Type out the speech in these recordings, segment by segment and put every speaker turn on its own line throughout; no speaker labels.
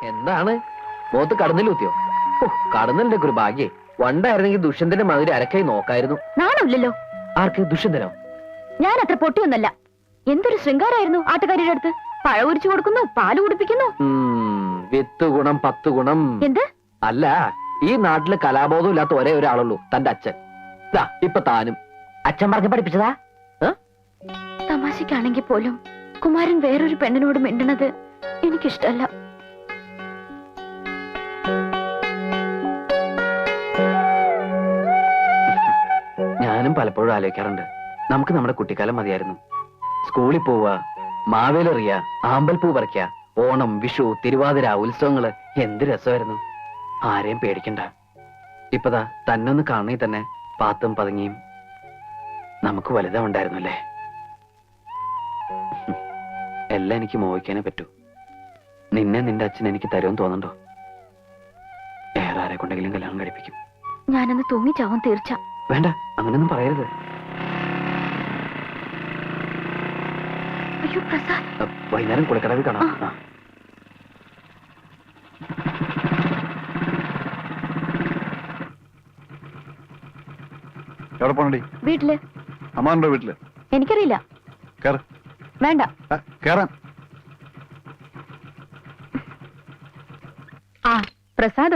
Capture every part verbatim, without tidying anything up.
എന്താണ് മുഖത്ത് കടന്നിലൂത്തിയോ? കടന്നലിന്റെ ഒരു ഭാഗ്യേ. വണ്ടായിരുന്നെങ്കിൽ ദുഷ്യന്തന്റെ മാതിരി അരക്കായി നോക്കായിരുന്നു.
നാണമില്ലല്ലോ.
ആർക്ക്? ദുഷ്യന്തനോ?
ഞാൻ അത്ര പൊട്ടിയൊന്നല്ല. എന്തൊരു ശൃംഗാരായിരുന്നു ആട്ടുകാരിയുടെ അടുത്ത്. പഴ ഉരിച്ചു കൊടുക്കുന്നു, പാല് കുടിപ്പിക്കുന്നു.
വിത്ത് ഗുണം പത്ത് ഗുണം.
എന്ത്?
അല്ല, ഈ നാട്ടില് കലാബോധം ഇല്ലാത്ത ഒരേ ഒരാളുള്ളൂ, തന്റെ അച്ഛൻ. ഇപ്പൊ താനും അച്ഛൻ പറഞ്ഞ് പഠിപ്പിച്ചതാ.
തമാശക്കാണെങ്കിൽ പോലും കുമാരൻ വേറൊരു പെണ്ണിനോട് മിണ്ടണത് എനിക്കിഷ്ടല്ല.
ഞാനും പലപ്പോഴും ആലോചിക്കാറുണ്ട്, നമുക്ക് നമ്മുടെ കുട്ടിക്കാലം മതിയായിരുന്നു. സ്കൂളിൽ പോവുക, മാവേലെറിയ, ആമ്പൽപ്പൂ പറിക്കുക, ഓണം, വിഷു, തിരുവാതിര, ഉത്സവങ്ങള് എന്ത് രസമായിരുന്നു. ആരെയും പേടിക്കണ്ട. ഇപ്പതാ തന്നൊന്ന് കാണണേ തന്നെ പാത്തും പതുങ്ങിയും നമുക്ക് വലുതാ ഉണ്ടായിരുന്നു അല്ലേ. എല്ലാം എനിക്ക് മോഹിക്കാനേ പറ്റൂ. നിന്നെ നിന്റെ അച്ഛൻ എനിക്ക് തരുമെന്ന് തോന്നണ്ടോ? വേറെ ആരെ കൊണ്ടെങ്കിലും കല്യാണം കഴിപ്പിക്കും.
ഞാനൊന്ന് തൂങ്ങിച്ചാവും തീർച്ച.
വേണ്ട, അങ്ങനൊന്നും പറയരുത്.
അയ്യോ പ്രസാദ്,
വൈകുന്നേരം കുളിക്കടവിൽ കാണാം.
എവിടെ പോണടി?
വീട്ടില്.
അമ്മാണ്ടോ വീട്ടില്?
എനിക്കറിയില്ല. വേണ്ട
കേറാൻ.
ആ പ്രസാദോ?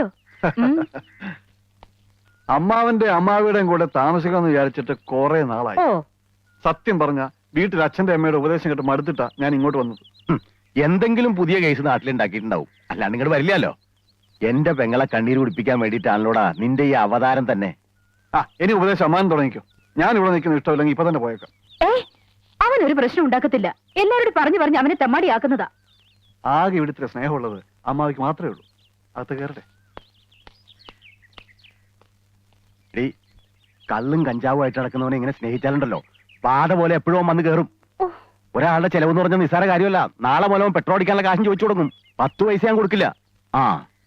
അമ്മാവന്റെ അമ്മാവിയുടെയും കൂടെ താമസിക്കാന്ന് വിചാരിച്ചിട്ട് കുറെ നാളായി. സത്യം പറഞ്ഞ വീട്ടിൽ അച്ഛന്റെ അമ്മയുടെ ഉപദേശം കേട്ട് മടുത്തിട്ടാ ഞാൻ ഇങ്ങോട്ട് വന്നത്.
എന്തെങ്കിലും പുതിയ കേസ് നാട്ടിലുണ്ടാക്കിയിട്ടുണ്ടാവും, അല്ലാണ്ട് ഇങ്ങോട്ട് വരില്ലല്ലോ. എന്റെ പെങ്ങളെ കണ്ണീര് കുടിപ്പിക്കാൻ വേണ്ടിയിട്ടാണല്ലോടാ നിന്റെ ഈ അവതാരം തന്നെ.
ആ ഇനി ഉപദേശം അമ്മാൻ തുടങ്ങിക്കോ. ഞാൻ ഇവിടെ നിൽക്കുന്ന ഇഷ്ടമില്ലെങ്കിൽ ഇപ്പൊ തന്നെ പോയേക്കാം.
അവൻ ഒരു പ്രശ്നം ഉണ്ടാക്കത്തില്ല. എല്ലാവരോടും പറഞ്ഞു പറഞ്ഞ് അവനെ തെമ്മാടിയാക്കുന്നതാ.
ആകെ ഇവിടുത്തെ സ്നേഹമുള്ളത് അമ്മാവിക്ക് മാത്രമേ ഉള്ളൂ. അകത്ത് കയറട്ടെ.
കള്ളും കഞ്ചാവും ആയിട്ട് നടക്കുന്നവനെ ഇങ്ങനെ സ്നേഹിച്ചാലുണ്ടല്ലോ പാത പോലെ എപ്പോഴും വന്ന് കയറും. ഒരാളുടെ ചെലവെന്ന് പറഞ്ഞ നിസ്സാര കാര്യമല്ല. നാളെ മൂലം പെട്രോൾ അടിക്കാനുള്ള കാശും ചോദിച്ചു കൊടുക്കും. പത്ത് പൈസ ഞാൻ കൊടുക്കില്ല. ആ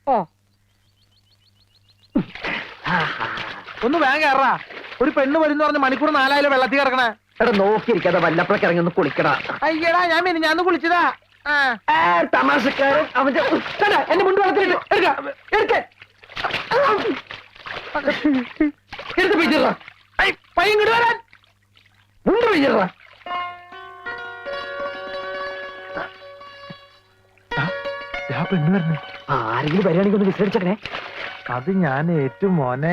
ഒന്ന് വേഗം കയറാ. ഒരു പെണ്ണ് വരുന്ന പറഞ്ഞ മണിക്കൂർ നാലായാലും വെള്ളത്തിൽ കിടക്കണേ.
എടാ നോക്കിയിരിക്കാതെ വല്ലപ്പോഴൊക്കെ ഇറങ്ങി ഒന്ന് കുളിക്കടാ.
അയ്യടാ ഞാൻ മിനി ഞാൻ കുളിച്ചതാ.
തമാശക്കാരൻ അവന്റെ എന്നെ മുണ്ട് വളർത്തിട്ട് എടുത്ത് പിടിച്ചിട.
പയ്യങ്ങോട്ട് വരാൻ
മുണ്ട് പിടിച്ചിട.
പെണ്ണ് വരണേ.
ആരെങ്കിലും വരികയാണെങ്കിൽ ഒന്ന് വിസരിച്ചേ.
അത് ഞാൻ ഏറ്റവും മോനെ.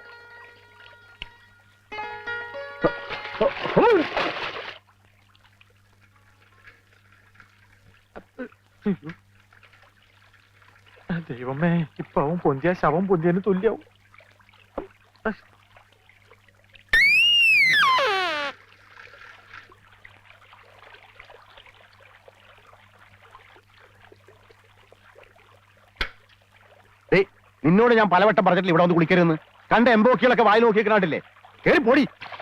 ദൈവമേ, ഇപ്പൊ അവൻ പൊന്തിയ ശവം പൊന്തിയതിന് തുല്യാവും.
നിന്നോട് ഞാൻ പലവട്ടം പറഞ്ഞിട്ടില്ല ഇവിടെ വന്ന് കുളിക്കരുതെന്ന്. കണ്ട എംബോക്കികളൊക്കെ വായി നോക്കിക്കണ്ടില്ലേ. കേറി പൊടി.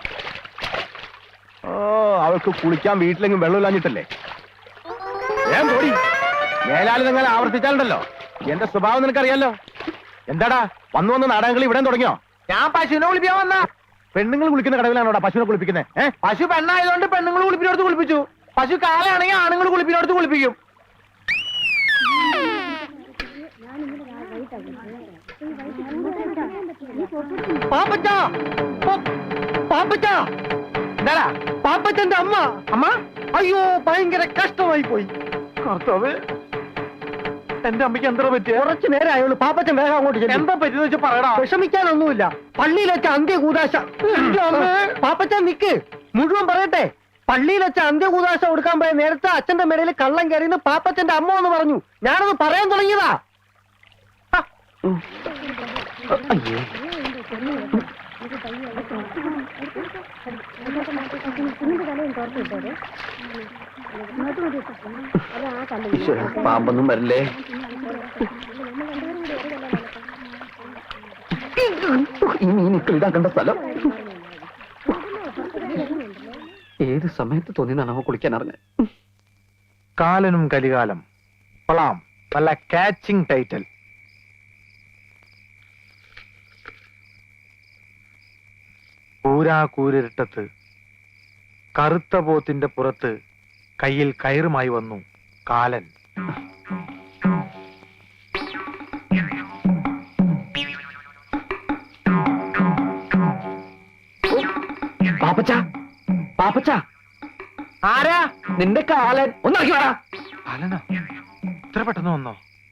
ഓ അവൾക്ക് കുളിക്കാൻ വീട്ടിലെങ്കിലും വെള്ളമില്ലാഞ്ഞിട്ടല്ലേ. ഞാൻ പൊടി. മേലാല് നിങ്ങൾ ആവർത്തിച്ചാലുണ്ടല്ലോ എന്റെ സ്വഭാവം നിനക്കറിയാലോ. എന്താടാ വന്നു വന്ന് നാടകങ്ങൾ ഇവിടെ തുടങ്ങിയോ?
ഞാൻ പശുവിനെ കുളിപ്പിക്കാൻ വന്ന.
പെണ്ണുങ്ങൾ കുളിക്കുന്ന കടവിലാണോടാ പശുവിനെ കുളിപ്പിക്കുന്നത്? ഏഹ്
പശു പെണ്ണായതുകൊണ്ട് പെണ്ണുങ്ങൾ കുളിപ്പിനോടത്ത് കുളിപ്പിച്ചു. പശു കാലാണെങ്കിൽ ആണുങ്ങൾ കുളിപ്പിനോടത്ത് കുളിപ്പിക്കും. പാപ്പച്ച പാപ്പച്ച എന്താടാ? പാപ്പച്ചന്റെ അമ്മ. അമ്മ അയ്യോ ഭയങ്കര കഷ്ടമായി പോയി. കർത്താവ്, എന്റെ അമ്മയ്ക്ക് എന്താ പറ്റിയ?
കുറച്ചു നേരം ആയുള്ളൂ. പാപ്പച്ചൻ വേഗം അങ്ങോട്ട് ചെല്ല്.
എന്താ പറ്റിയെന്ന് വെച്ചാൽ പറയടാ.
വിഷമിക്കാനൊന്നുമില്ല. പള്ളിയിൽ വെച്ച അന്ത്യകൂദാശ. പാപ്പച്ചൻ നിക്ക്, മുഴുവൻ പറയട്ടെ. പള്ളിയിൽ വെച്ച അന്ത്യകൂദാശ കൊടുക്കാൻ പോയ നേരത്തെ അച്ഛന്റെ മേടയിൽ കള്ളം കയറിയെന്ന് പാപ്പച്ചന്റെ അമ്മ എന്ന് പറഞ്ഞു. ഞാനത് പറയാൻ തുടങ്ങിയതാ. പാമ്പൊന്നും വരില്ലേ? ഈ മീനിക്കളിടാൻ കണ്ട സ്ഥലം ഏത് സമയത്ത് തോന്നിയതാണ് അവ കുളിക്കാൻ അറിഞ്ഞത്.
കാലനും കലികാലം കൊള്ളാം. നല്ല കാച്ചിങ് ടൈറ്റിൽ. കൂരാ കൂരിട്ടത്ത് കറുത്ത പോത്തിന്റെ പുറത്ത് കയ്യിൽ കയറുമായി വന്നു കാലൻ.
പാപ്പച്ച പാപ്പച്ച
ആരാ?
നിന്റെ കാലൻ ഒന്നിറക്കി വേടാ.
കാലനാ ഇത്ര പെട്ടെന്ന് വന്നോ?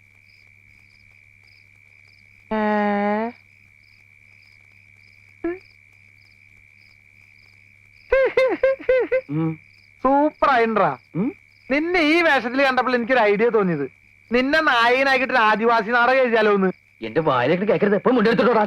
സൂപ്പർ ആയിട്ടാ. നിന്നെ ഈ വേഷത്തിൽ കണ്ടപ്പോൾ എനിക്കൊരു ഐഡിയ തോന്നിയത്, നിന്നെ നായകനാക്കിട്ട് ആദിവാസി നാടകം എഴുതിയാലോ എന്ന്.
എന്റെ വായിലേക്ക് കേൾക്കരുത്, എപ്പോഴും മുണ്ടെടുത്തിട്ടോടാ.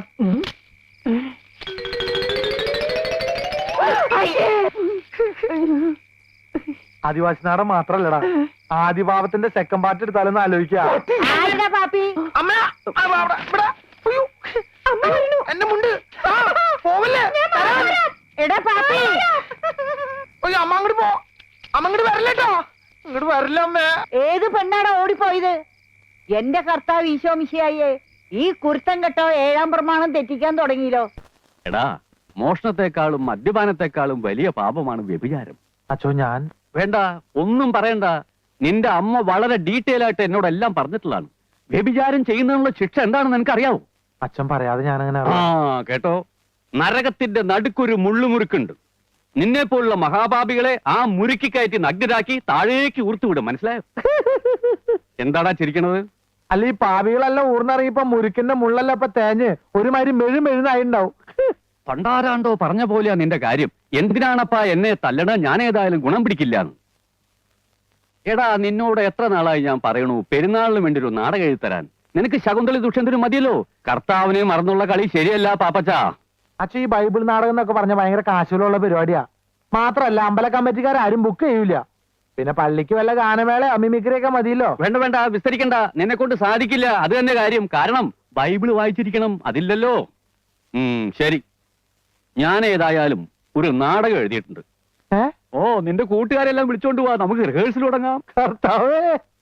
ആദിവാസി നാടകം മാത്രല്ലടാ, ആദിഭാവത്തിന്റെ സെക്കൻഡ് പാർട്ട് എടുത്താലൊന്ന് ആലോചിക്കാ. അമ്മ, ആ, അവിടെ, ഇവിടെ. ഉയ്യോ. എന്റെ മുണ്ട്. ആ, പോവല്ലേ?
എടാ പാപ്പി,
ഉയ്യോ, അമ്മ അങ്ങോട്ട് പോ. അമ്മ അങ്ങോട്ട് വരല്ലേട്ടോ. ഇങ്ങോട്ട് വരില്ല അമ്മേ.
ഏത് പെണ്ണാടാ ഓടിപ്പോയത്? എന്റെ കർത്താവ് ഈശോ മിശിഹായേ, ഈ കുരുത്തം കെട്ടോ ഏഴാം പ്രമാണം തെറ്റിക്കാൻ തുടങ്ങിയല്ലോ.
എടാ, മോഷണത്തെക്കാളും മദ്യപാനത്തെക്കാളും വലിയ പാപമാണ് വ്യഭിചാരം.
അച്ചോ, ഞാൻ
വേണ്ട, ഒന്നും പറയണ്ട. നിന്റെ അമ്മ വളരെ ഡീറ്റെയിൽ ആയിട്ട് എന്നോട് എല്ലാം പറഞ്ഞിട്ടുള്ളതാണ്. വ്യഭിചാരം ചെയ്യുന്നതിനുള്ള ശിക്ഷ എന്താണെന്ന് നിനക്കറിയാവോ?
അച്ഛൻ പറയാതെ ഞാനങ്ങനെ
ആ കേട്ടോ, നരകത്തിന്റെ നടുക്കൊരു മുള്ളുമുറുക്കുണ്ട്. നിന്നെ പോലുള്ള മഹാപാപികളെ ആ മുറുക്കി കയറ്റി നഗ്നരാക്കി താഴേക്ക് ഊർത്തുവിടും, മനസ്സിലായോ? എന്താടാ ചിരിക്കണത്?
അല്ല, ഈ പാവികളെല്ലാം ഊർന്നിറങ്ങിയപ്പോ മുരുക്കിന്റെ മുള്ളല്ല ഇപ്പൊ തേഞ്ഞ് ഒരുമാതിരി മെഴു മെഴുന്നായിണ്ടാവും.
പണ്ടാരാണ്ടോ പറഞ്ഞ പോലെയാ നിന്റെ കാര്യം. എന്തിനാണപ്പാ എന്നെ തല്ലണ? ഞാൻ ഏതായാലും ഗുണം പിടിക്കില്ലാന്ന്. എടാ, നിന്നോട് എത്ര നാളായി ഞാൻ പറയണു പെരുന്നാളിന് വേണ്ടി ഒരു നാടകം എഴുതി തരാൻ. നിനക്ക് ശകുന്തളി ദുഷ്യന്തനും മതിയല്ലോ. കർത്താവിനെ മറന്നുള്ള കളി ശരിയല്ല പാപ്പച്ച.
അച്ഛൻ ഈ ബൈബിൾ നാടകം എന്നൊക്കെ പറഞ്ഞ ഭയങ്കര കാശുകളുള്ള പരിപാടിയാ. മാത്രല്ല അമ്പല കമ്മിറ്റിക്കാരും ബുക്ക് ചെയ്യൂല. പിന്നെ പള്ളിക്ക് വല്ല ഗാനമേള അമ്മിമിക്രിയൊക്കെ മതിയല്ലോ.
വേണ്ട വേണ്ട, വിസ്തരിക്കണ്ട. നിന്നെ കൊണ്ട് സാധിക്കില്ല, അത് തന്നെ കാര്യം. കാരണം ബൈബിള് വായിച്ചിരിക്കണം, അതില്ലല്ലോ. ഉം ശരി, ഞാൻ ഏതായാലും ഒരു നാടകം എഴുതിയിട്ടുണ്ട്.
ഏ?
ഓ, നിന്റെ കൂട്ടുകാരെല്ലാം വിളിച്ചോണ്ട് പോവാ, നമുക്ക് റിഹേഴ്സൽ തുടങ്ങാം.
കർത്താവേ,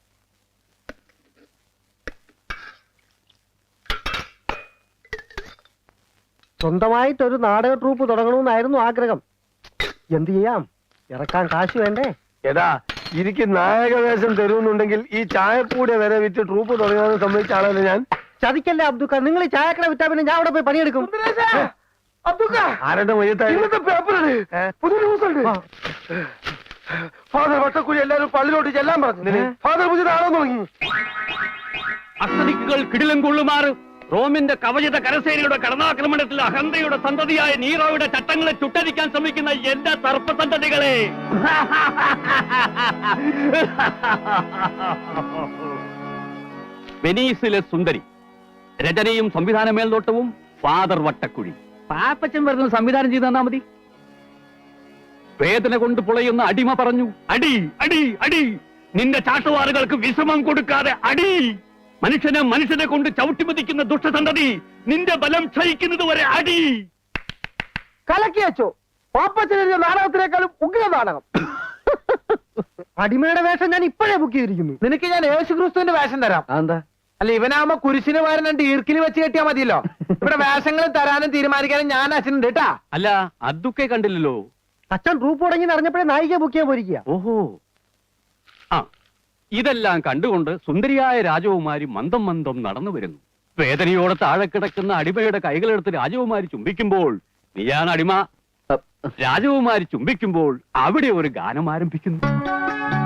സ്വന്തമായിട്ടൊരു നാടക ട്രൂപ്പ് തുടങ്ങണമെന്നായിരുന്നു ആഗ്രഹം. എന്ത് ചെയ്യാം, ഇറക്കാൻ കാശ് വേണ്ടേ?
എടാ, എനിക്ക് നായകവേഷം തരുന്നുണ്ടെങ്കിൽ ഈ ചായപ്പൂടെ വരെ വിറ്റ് ട്രൂപ്പ് തുടങ്ങാൻ സമ്മതിച്ച ആളല്ലേ ഞാൻ.
ചതിക്കല്ലേ അബ്ദുക്ക, നിങ്ങൾ ഈ ചായക്കട വിറ്റാ പിന്നെ ഞാൻ അവിടെ പോയി പണിയെടുക്കും.
ആരുടെ മയ്യത്തായി പുതിയ ന്യൂസ് ഉണ്ട്. ഫാദർ വട്ടക്കുഴി എല്ലാരും പള്ളിയിലോട്ട് ചെല്ലാൻ പറഞ്ഞു. ഫാദർ പുതിയ നാളെ തുടങ്ങി.
അസ്തദിക്കുകൾ കിടിലം കൊള്ളുമാറ് റോമിന്റെ കവചിത കരസേനയുടെ കടന്നാക്രമണത്തിൽ അഹന്തയുടെ സന്തതിയായ നീറോയുടെ ചട്ടങ്ങളെ ചുട്ടരിക്കാൻ ശ്രമിക്കുന്ന എന്റെ സർപ്പസന്തതികളെ, വെനീസിലെ സുന്ദരി, രചനയും സംവിധാന മേൽനോട്ടവും ഫാദർ വട്ടക്കുഴി. പാപ്പച്ചൻ വരുന്ന സംവിധാനം ചെയ്ത് തന്നാ മതി. വേദന കൊണ്ട് പുളയുന്ന അടിമ പറഞ്ഞു, അടി അടി അടി, നിന്റെ ചാട്ടുവാറുകൾക്ക് വിശ്രമം കൊടുക്കാതെ അടി. മനുഷ്യനെ മനുഷ്യനെ കൊണ്ട് ചവിട്ടിമതിക്കുന്ന ദുഷ്ടസന്തതി, നിന്റെ ബലം ക്ഷയിക്കുന്നത് വരെ അടി.
കലക്കി വെച്ചോ. പാപ്പച്ചനെഴുതിയ നാടകത്തിനേക്കാളും ഉഗ്ര നാടകം.
അടിമയുടെ വേഷം ഞാൻ ഇപ്പോഴേ ബുക്ക് ചെയ്തിരിക്കുന്നു.
നിനക്ക് ഞാൻ യേശു ക്രിസ്തുവിന്റെ വേഷം തരാം.
അതെന്താ?
അല്ല, ഇവനാകുമ്പോ കുരിശിന് പകരം രണ്ട് ഈർക്കിൽ വെച്ച് കെട്ടിയാ മതിയല്ലോ. ഇവിടെ വേഷങ്ങൾ തരാനും തീരുമാനിക്കാനും ഞാൻ അച്ഛനുണ്ട് കേട്ടാ.
അല്ല, അതൊക്കെ കണ്ടില്ലല്ലോ.
അച്ഛൻ ട്രൂപ്പ് തുടങ്ങി അറിഞ്ഞപ്പോഴേ നായിക ബുക്ക് ചെയ്യാൻ പോയിരിക്കുക.
ഓഹോ, ആ, ഇതെല്ലാം കണ്ടുകൊണ്ട് സുന്ദരിയായ രാജകുമാരി മന്ദം മന്ദം നടന്നു വരുന്നു. വേദനയോടെ താഴെ കിടക്കുന്ന അടിമയുടെ കൈകളെടുത്ത് രാജകുമാരി ചുംബിക്കുമ്പോൾ, നീയാണ് അടിമ. രാജകുമാരി ചുംബിക്കുമ്പോൾ അവിടെ ഒരു ഗാനം ആരംഭിക്കുന്നു.